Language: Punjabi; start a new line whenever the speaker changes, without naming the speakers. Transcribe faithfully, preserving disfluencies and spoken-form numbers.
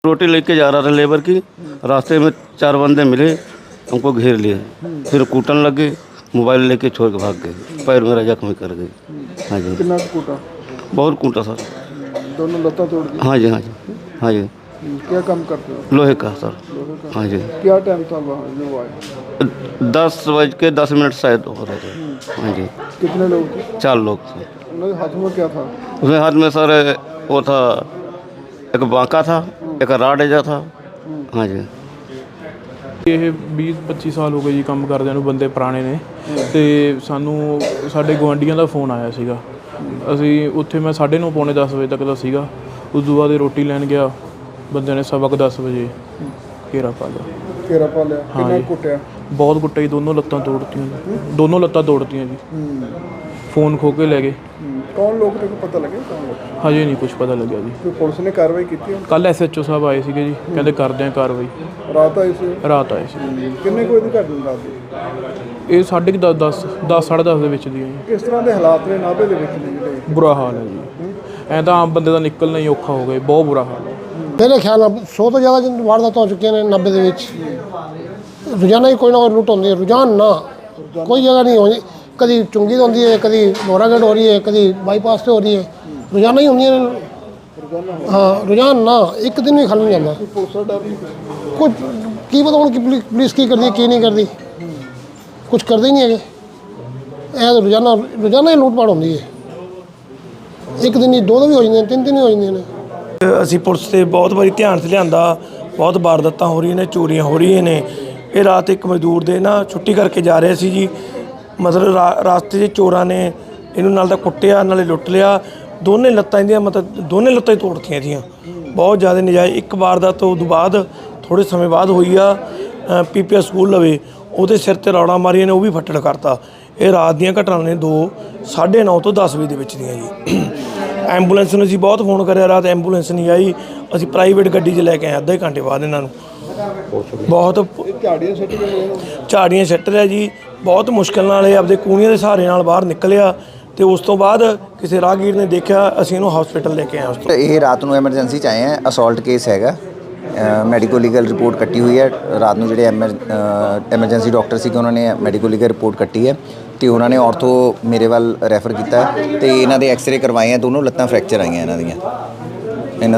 रोटी लेके जा रहा था लेबर की, रास्ते में चार बंदे मिले, हमको घेर लिए, फिर कूटन लग गए, मोबाइल लेके छोड़ के भाग गए, पैर मेरा जख्मी कर गए। हाँ जी।
कितना कूटा?
बहुत कूटा सर।
दोनों लत्ता तोड़ दी?
हाँ जी, हाँ जी, हाँ जी।
क्या काम करते हो?
लोहे का सर।
लोहे का?
हाँ जी।
क्या टाइम था वहाँ जो आए?
दस बज के दस मिनट शायद हो रहे थे। हाँ जी।
कितने लोग थे?
चार लोग थे।
उनके हाथ में क्या था?
उसमें हाथ में सर वो था, एक बांका था, एक राड एजा था। हाँ जी।
ਇਹ ਵੀਹ ਪੱਚੀ ਸਾਲ ਹੋ ਗਏ ਜੀ ਕੰਮ ਕਰਦਿਆਂ ਨੂੰ, ਬੰਦੇ ਪੁਰਾਣੇ ਨੇ। ਅਤੇ ਸਾਨੂੰ ਸਾਡੇ ਗੁਆਂਢੀਆਂ ਦਾ ਫੋਨ ਆਇਆ ਸੀਗਾ। ਅਸੀਂ ਉੱਥੇ ਮੈਂ ਸਾਢੇ ਨੌ ਪੌਣੇ ਦਸ ਵਜੇ ਤੱਕ ਦਾ ਸੀਗਾ। ਉਸ ਤੋਂ ਬਾਅਦ ਰੋਟੀ ਲੈਣ ਗਿਆ, ਬੰਦਿਆਂ ਨੇ ਸਵਾ ਕੁ ਦਸ ਵਜੇ ਘੇਰਾ ਪਾ ਲਿਆ।
ਘੇਰਾ ਪਾ ਲਿਆ?
ਹਾਂ
ਕਿੰਨਾ
ਜੀ।
ਕੁੱਟਿਆ?
ਬਹੁਤ ਕੁੱਟਿਆ ਜੀ, ਦੋਨੋਂ ਲੱਤਾਂ ਤੋੜਤੀਆਂ ਜੀ, ਦੋਨੋਂ ਲੱਤਾਂ ਤੋੜਤੀਆਂ ਜੀ। ਫੋਨ ਖੋਹ ਕੇ ਲੈ ਗਏ।
ਕੌਣ ਲੋਕ ਨੇ, ਪਤਾ ਲੱਗਿਆ ਕੌਣ ਲੋਕ?
ਹਜੇ ਨਹੀਂ ਕੁਝ ਪਤਾ ਲੱਗਿਆ ਜੀ।
ਕੋਈ ਪੁਲਿਸ ਨੇ ਕਾਰਵਾਈ ਕੀਤੀ?
ਕੱਲ੍ਹ ਐਸ ਐਚ ਓ ਸਾਹਿਬ ਆਏ ਸੀਗੇ ਜੀ, ਕਹਿੰਦੇ ਕਰਦੇ ਹਾਂ ਕਾਰਵਾਈ।
ਰਾਤ ਆਈ ਸੀ?
ਰਾਤ ਆਏ ਸੀ।
ਕਿੰਨੇ ਕੋਈ ਦੀ ਘਟਨਾ ਰਾਤ ਦੀ?
ਇਹ ਸਾਢੇ ਕੁ ਦਸ ਦਸ ਦਸ ਸਾਢੇ ਦਸ ਦੇ ਵਿੱਚ ਦੀ ਹੈ ਜੀ।
ਕਿਸ ਤਰ੍ਹਾਂ ਦੇ ਹਾਲਾਤ ਨੇ ਨਾਭੇ ਦੇ ਵਿੱਚ ਨੇ ਜਿਹੜੇ?
ਬੁਰਾ ਹਾਲ ਹੈ ਜੀ, ਐਂ ਤਾਂ ਆਮ ਬੰਦੇ ਦਾ ਨਿਕਲਣਾ ਹੀ ਔਖਾ ਹੋ ਗਿਆ, ਬਹੁਤ ਬੁਰਾ ਹਾਲ ਹੈ।
ਮੇਰੇ ਖਿਆਲ ਨਾਲ ਸੌ ਤੋਂ ਜ਼ਿਆਦਾ ਵਾਰਦਾਤਾਂ ਹੋ ਚੁੱਕੀਆਂ ਨੇ ਨੱਬੇ ਦੇ ਵਿੱਚ। ਰੋਜ਼ਾਨਾ ਹੀ ਕੋਈ ਨਾ ਕੋਈ ਲੁੱਟ ਹੁੰਦੀ ਹੈ, ਰੁਝਾਨ ਨਾ ਕੋਈ ਜਗ੍ਹਾ ਨਹੀਂ ਹੋਣੀ। ਕਦੀ ਚੁੰਗੀ ਤੋਂ ਹੁੰਦੀ ਹੈ, ਕਦੀ ਲੋਰਾਗੜ ਹੋ ਰਹੀ ਹੈ, ਕਦੀ ਬਾਈਪਾਸ 'ਤੇ ਹੋ ਰਹੀ ਹੈ, ਰੋਜ਼ਾਨਾ ਹੀ ਹੁੰਦੀਆਂ ਨੇ। ਹਾਂ, ਰੁਝਾਨ ਨਾ ਇੱਕ ਦਿਨ ਵੀ ਖਾਲੀ ਨਹੀਂ ਜਾਂਦਾ।
ਪੁਲਿਸ ਦਾ ਡਰ ਨਹੀਂ?
ਕੁਝ ਕੀ ਪਤਾ ਹੁਣ ਕਿ ਪੁਲਿਸ ਪੁਲਿਸ ਕੀ ਕਰਦੀ ਕੀ ਨਹੀਂ ਕਰਦੀ, ਕੁਝ ਕਰਦੇ ਹੀ ਨਹੀਂ ਹੈਗੇ। ਇਹ ਤਾਂ ਰੋਜ਼ਾਨਾ ਰੋਜ਼ਾਨਾ ਹੀ ਲੁੱਟ ਪਾਟ ਹੁੰਦੀ ਹੈ। ਇੱਕ ਦਿਨ ਹੀ ਦੋ ਦੋ ਵੀ ਹੋ ਜਾਂਦੀਆਂ, ਤਿੰਨ ਤਿੰਨ ਵੀ ਹੋ ਜਾਂਦੀਆਂ ਨੇ।
ਅਸੀਂ ਪੁਲਿਸ ਤੇ ਬਹੁਤ ਵਾਰੀ ਧਿਆਨ 'ਚ ਲਿਆਂਦਾ, ਬਹੁਤ ਵਾਰਦਾਤਾਂ ਹੋ ਰਹੀਆਂ ਨੇ, ਚੋਰੀਆਂ ਹੋ ਰਹੀਆਂ ਨੇ। ਇਹ ਰਾਤ ਇੱਕ ਮਜ਼ਦੂਰ ਦੇ ਨਾ ਛੁੱਟੀ ਕਰਕੇ ਜਾ ਰਿਹਾ ਸੀ ਜੀ, ਮਤਲਬ ਰਾ ਰਾਸਤੇ 'ਚ ਚੋਰਾਂ ਨੇ ਇਹਨੂੰ ਨਾਲ ਤਾਂ ਕੁੱਟਿਆ ਨਾਲੇ ਲੁੱਟ ਲਿਆ। ਦੋਨੇ ਲੱਤਾਂ ਇਹਦੀਆਂ ਮਤਲਬ ਦੋਨੇ ਲੱਤਾਂ ਹੀ ਤੋੜਤੀਆਂ ਇਹਦੀਆਂ, ਬਹੁਤ ਜ਼ਿਆਦਾ ਨਜਾਇਜ਼। ਇੱਕ ਵਾਰਦਾਤ ਤੋਂ ਬਾਅਦ ਥੋੜ੍ਹੇ ਸਮੇਂ ਬਾਅਦ ਹੋਈ ਆ ਪੀ ਪੀ ਐਸ ਸਕੂਲ ਲਵੇ, ਉਹਦੇ ਸਿਰ 'ਤੇ ਰੌੜਾਂ ਮਾਰੀਆਂ ਨੇ, ਉਹ ਵੀ ਫੱਟੜ ਕਰਤਾ। ਇਹ ਰਾਤ ਦੀਆਂ ਘਟਨਾਵਾਂ ਨੇ, ਦੋ ਸਾਢੇ ਨੌ ਤੋਂ ਦਸ ਵਜੇ ਦੇ ਵਿੱਚ ਦੀਆਂ ਜੀ। ਐਂਬੂਲੈਂਸ ਨੂੰ ਅਸੀਂ ਬਹੁਤ ਫੋਨ ਕਰਿਆ, ਰਾਤ ਐਂਬੂਲੈਂਸ ਨਹੀਂ ਆਈ। ਅਸੀਂ ਪ੍ਰਾਈਵੇਟ ਗੱਡੀ 'ਚ ਲੈ ਕੇ ਆਏ ਅੱਧੇ ਘੰਟੇ ਬਾਅਦ ਇਹਨਾਂ ਨੂੰ। ਬਹੁਤ
ਝਾੜੀਆਂ ਸੱਟ ਕੇ
ਝਾੜੀਆਂ ਸੱਟ ਰਿਹਾ ਜੀ, ਬਹੁਤ ਮੁਸ਼ਕਿਲ ਨਾਲ ਇਹ ਆਪਦੇ ਕੂਣੀਆਂ ਦੇ ਸਹਾਰੇ ਨਾਲ ਬਾਹਰ ਨਿਕਲਿਆ। ਤੇ ਉਸ ਤੋਂ ਬਾਅਦ ਕਿਸੇ ਰਾਹਗੀਰ ਨੇ ਦੇਖਿਆ, ਅਸੀਂ ਇਹਨੂੰ ਹਸਪੀਟਲ ਲੈ ਕੇ ਆਏ। ਉਸ ਤੋਂ
ਇਹ ਰਾਤ ਨੂੰ ਐਮਰਜੈਂਸੀ 'ਚ ਆਏ ਹੈ, ਅਸੌਲਟ ਕੇਸ ਹੈਗਾ। ਮੈਡੀਕੋ ਲੀਗਲ ਰਿਪੋਰਟ ਕੱਟੀ ਹੋਈ ਹੈ ਰਾਤ ਨੂੰ। ਜਿਹੜੇ ਐਮਰ ਐਮਰਜੈਂਸੀ ਡਾਕਟਰ ਸੀਗੇ ਉਹਨਾਂ ਨੇ ਮੈਡੀਕੋ ਲੀਗਲ ਰਿਪੋਰਟ ਕੱਟੀ ਹੈ ਅਤੇ ਉਹਨਾਂ ਨੇ ਔਰਥੋ ਮੇਰੇ ਵੱਲ ਰੈਫਰ ਕੀਤਾ ਅਤੇ ਇਹਨਾਂ ਦੇ ਐਕਸਰੇ ਕਰਵਾਏ ਆ, ਦੋਨੋਂ ਲੱਤਾਂ ਫ੍ਰੈਕਚਰ ਆਈਆਂ ਇਹਨਾਂ ਦੀਆਂ।